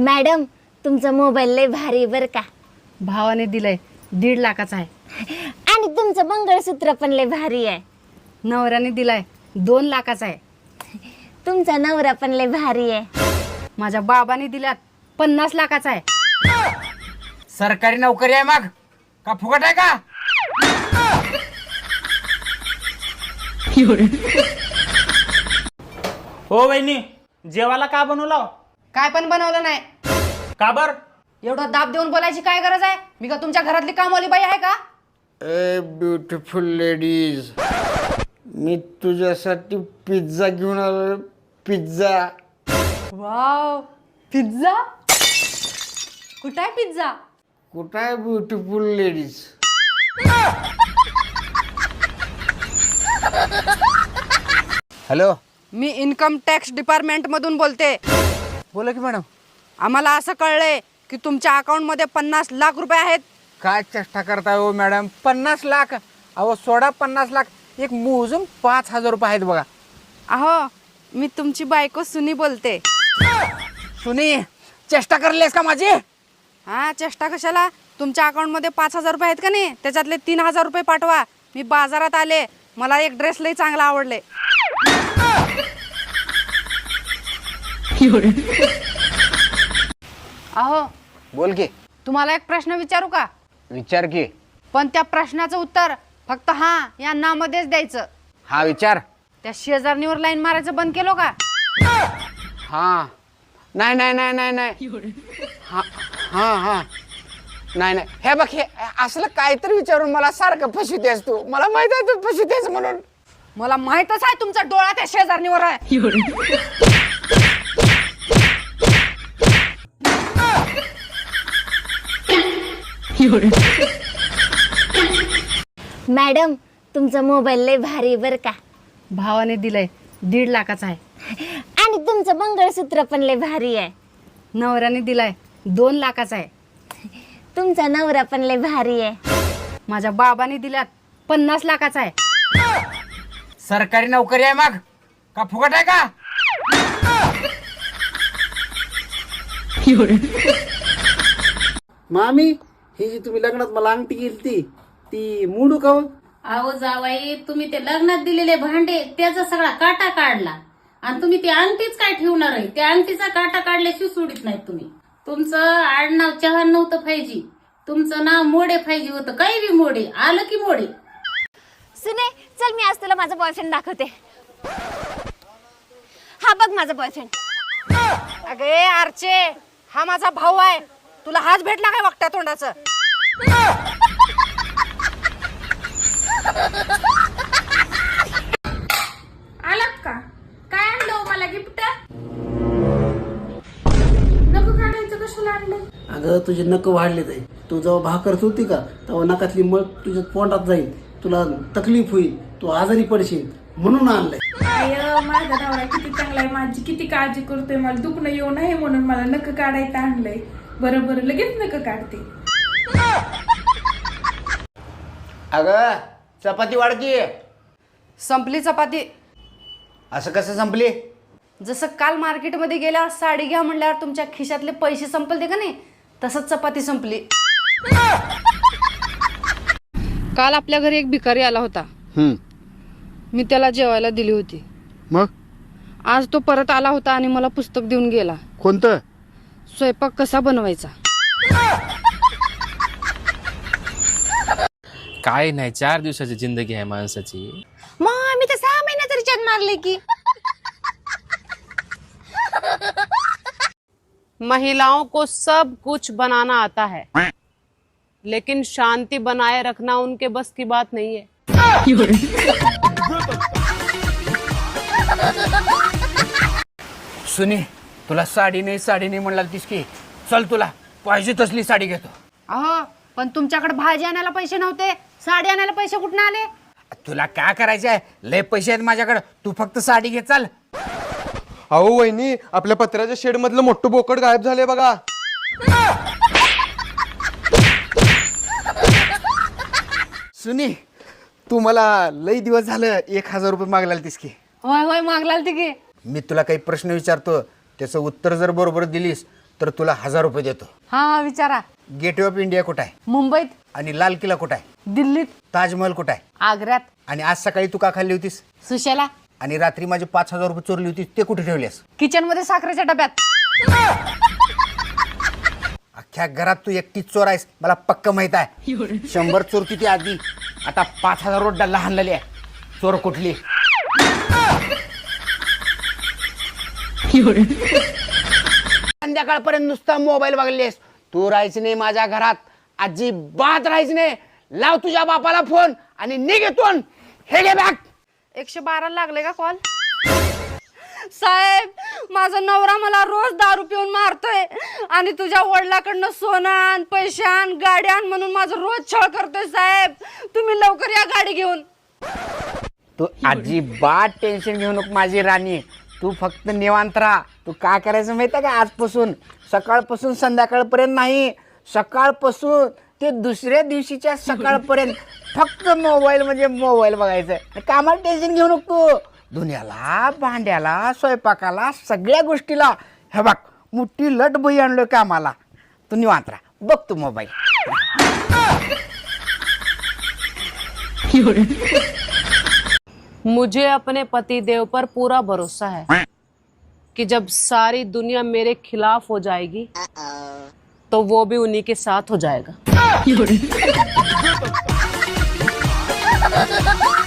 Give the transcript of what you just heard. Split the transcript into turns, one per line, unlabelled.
Madam तुमचा mobile लय भारी बर का.
भावाने दिलाय 1.5 लाखाचा आहे.
आणि तुमचं मंगळसूत्र पण लय भारी आहे.
नवऱ्याने दिलाय 2 लाखाचा आहे.
तुमचा नवरा पण लय भारी आहे.
माझ्या बाबाने दिल्यात 50 लाखाचा आहे.
सरकारी नोकरी आहे मग का फुकट आहे का?
हो वहिनी, जेवायला का बनवला?
काय पण बनवलं नाही.
का बर?
एवढं दाब देऊन बोलायची काय गरज आहे? मी का तुमच्या घरातली कामवाली बाई आहे का?
ए ब्युटिफुल लेडीज, मी तुझ्यासाठी पिझ्झा घेऊन आलो. पिझ्झा.
Wow, pizza. कुठं आहे पिझ्झा?
कुठं आहे ब्युटिफुल लेडीज? हॅलो,
मी इन्कम टॅक्स डिपार्टमेंट मधून बोलते.
बोला की मॅडम.
आम्हाला असं कळलंय की तुमच्या अकाउंट मध्ये 50 लाख रुपये आहेत.
काय चेष्टा करताय हो मॅडम? 50 लाख? अहो सोडा 50 लाख, एक मोजून 5,000 रुपये आहेत बघा.
अहो, मी तुमची बायको सुनी बोलते.
सुनी, चेष्टा करलेस का माझी?
हा, चेष्टा कशाला? तुमच्या अकाउंट मध्ये 5,000 रुपये आहेत का नाही? त्याच्यातले 3,000 रुपये पाठवा. मी बाजारात आले, मला एक ड्रेस लई चांगला आवडले. अहो,
बोल की.
तुम्हाला एक प्रश्न विचारू का?
विचार की.
पण त्या प्रश्नाचं उत्तर फक्त हा या ना मध्येच द्यायचं.
हा विचार.
त्या शेजारणीवर लाईन मारायचं बंद केलो का?
हा. नाही नाही नाही नाही नाही. हा हा हा. नाही नाही, हे बघ, हे असलं काहीतरी विचारून मला सारखं फसवतेस तू. मला माहित आहे तू फसवतेस म्हणून.
मला माहितच आहे तुमचा डोळा त्या शेजारणीवर आहे.
मॅडम तुमचा मोबाईल लय भारी बर का.
भावाने दिलाय 1.5 लाखाचा आहे.
आणि तुमचं मंगळसूत्र पण लय भारी आहे.
नवऱ्याने दिलाय 2 लाखाचा आहे.
तुमचा नवरा पण लय भारी आहे.
माझ्या बाबाने दिल्यात 50 लाखाचा आहे.
सरकारी नोकरी आहे मग का फुकट आहे का?
मामी, ही जी तुम्ही लग्नात मला अंगठी केली ती मोडू का हो?
अहो जावाई, तुम्ही ते लग्नात दिलेले भांडे त्याचा सगळा काटा काढला आणि तुम्ही ती अंगठीच काय ठेवणार आहे? त्या अंगठीचा काटा काढल्याशिवाय सोडित नाहीत तुम्ही. तुमचं आडनाव चव्हाण नव्हतं पाहिजे, तुमचं नाव मोडे पाहिजे होतं. काही बी मोडे आलं की मोडे.
सुने, चल मी आज तुला माझा बॉयफ्रेंड दाखवते. हा बघ माझा बॉयफ्रेंड.
अगे आरचे, हा माझा भाऊ आहे. तुला हाच भेटला काय वागत्या तोंडाचं?
आलात का? काय आणलं हो मला गिफ्ट? नको काढायचं, कशाला आणलं?
अगं तुझे नख वाढले जाईल. तू जेव्हा भाकर होती का तेव्हा नकातली मळ तुझ्या पोटात जाईल. तुला तकलीफ होईल, तू आजारी पडशील म्हणून आणलंय.
आय, माझा नवरा किती चांगला आहे, माझी किती काळजी करतोय. मला दुखणं येऊ नये म्हणून मला नख काढायचं आणलंय. बरं बरं, लगेच नख काढते.
अगं चपाती वाढती.
संपली चपाती.
असं कसं संपली?
जसं काल मार्केटमध्ये गेल्यावर साडी घ्या म्हणल्यावर तुमच्या खिशातले पैसे संपलते का नाही, तसंच चपाती संपली. काल आपल्या घरी एक भिकारी आला होता. मी त्याला जेवायला दिली होती.
मग
आज तो परत आला होता आणि मला पुस्तक देऊन गेला.
कोणतं?
स्वयंपाक कसा बनवायचा.
काय नाही, 4 दिवसाची जिंदगी आहे माणसाची.
मग आम्ही तर 6 महिन्यात रिचार्ज मारले की.
महिलाओं को सब कुछ बनाना आता है, लेकिन शांति बनाए रखना उनके बस की बात नहीं है.
सुनी, तुला साडी नाही म्हणला तीस की. चल तुला पाहिजे तसली साडी घेतो.
अहो, पण तुमच्याकडे भाजी आणायला पैसे नव्हते, साडी आणायला पैसे कुठून आले?
तुला काय करायचं आहे? लय पैसे आहेत माझ्याकडे, तू फक्त साडी घे. चल.
अहो वहिनी, आपल्या पत्र्याच्या शेड मधलं मोठं बोकड गायब झालंय बघा.
सुनी, तू मला लई दिवस झालं 1,000 रुपये मागला तीस की.
होय होय, मागलाल ती की.
मी तुला काही प्रश्न विचारतो, त्याचं उत्तर जर बरोबर दिलीस तर तुला 1000 रुपये देतो.
हा विचारा.
गेटवे ऑफ इंडिया कुठं आहे?
मुंबईत.
आणि लाल किल्ला कुठं आहे?
दिल्लीत.
ताजमहल कुठं आहे?
आग्र्यात.
आणि आज सकाळी तू का खाल्ली होतीस?
सुशेला.
आणि रात्री माझे 5000 रुपये चोरली होती ते कुठे ठेवलेस?
किचन मध्ये साखरेच्या डब्यात.
अख्ख्या घरात तू एकटीच चोर आहेस मला पक्क माहित आहे. 100 चोरती ती आधी, आता 5000 रोड लहान आहे. चोर कुठली? संध्याकाळपर्यंत नुसता मोबाईल बघलेस. तू राहायचं नाही माझ्या घरात, अजिबात राहायचं नाही. लाव तुझ्या बापाला फोन आणि निघ इथून. हे घे बॅग.
112 लागले का कॉल? साहेब, माझा नवरा मला रोज दारू पिऊन मारतोय आणि तुझ्या वडिलाकडनं सोनं आण, पैसे आण, गाडी आण म्हणून माझं रोज छळ करतोय. साहेब, तुम्ही लवकर या गाडी घेऊन.
तू अजिबात टेन्शन घेऊ नको माझी राणी. तू फक्त निवांत राहा. तू काय करायचं माहिती आहे का? आजपासून सकाळपासून संध्याकाळपर्यंत नाही, सकाळपासून ते दुसऱ्या दिवशीच्या सकाळपर्यंत फक्त मोबाईल म्हणजे मोबाईल बघायचं. कामाला टेन्शन घेऊ नको तू. दुनियाला, भांड्याला, स्वयंपाकाला, सगळ्या गोष्टीला हे बघ मोठी लट बही आणलोय कामाला. तू निवांत राहा, बघ तू मोबाईल.
मुझे अपने पति देव पर पूरा भरोसा है कि जब सारी दुनिया मेरे खिलाफ हो जाएगी तो वो भी उन्हीं के साथ हो जाएगा.